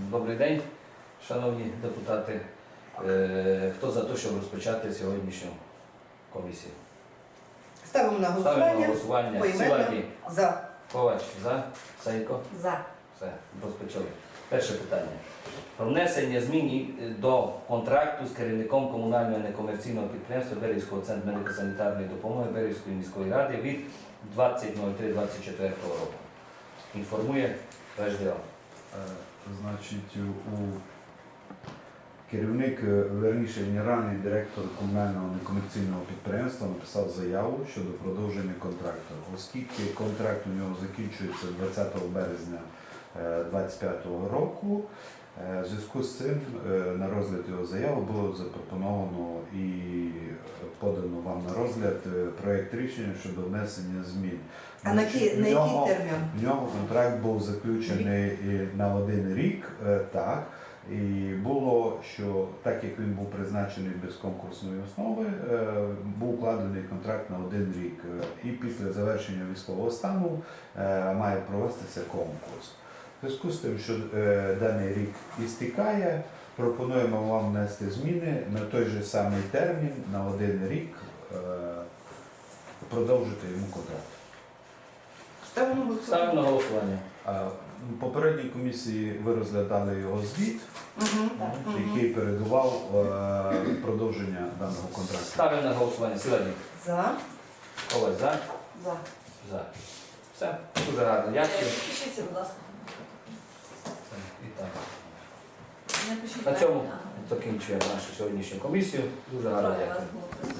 Добрий день, шановні депутати. Хто за те, щоб розпочати сьогоднішню комісію? Ставимо на Ставимо на голосування. голосування. Поіменно. Силаді, За. Ковач, за, Сайко. За. Все, розпочали. Перше питання. Про внесення змін до контракту з керівником комунального некомерційного підприємства Берівського центру медико-санітарної допомоги Берівської міської ради від 20.03.24 року. Інформує ВЖДО. Значить, керівник, верніше генеральний директор комунального некомерційного підприємства написав заяву щодо продовження контракту. Оскільки контракт у нього закінчується 20 березня 2025 року, в зв'язку з цим на розгляд його заяви було запропоновано і подано вам на розгляд проєкт рішення щодо внесення змін. А на який термін? В нього контракт був заключений на 1 рік, так. І було, що так як він був призначений без конкурсної основи, був укладений контракт на 1 рік. І після завершення військового стану має провестися конкурс. В зв'язку з тим, що даний рік істікає, пропонуємо вам внести зміни на той же самий термін, на 1 рік, продовжити йому контракт. Ставимо на Ставимо на голосування. голосування. В попередній комісії ви розглядали його звіт, Угу. який передував продовження даного контракту. Ставимо на голосування. Силаді. За. Ковач, за. За. За. Все. Дуже гарно. Дякую. Пишіться, будь ласка. І так. Не пишіть На цьому так. закінчуємо нашу сьогоднішню комісію. Дуже гарно Троє вас дякую. було присутніх.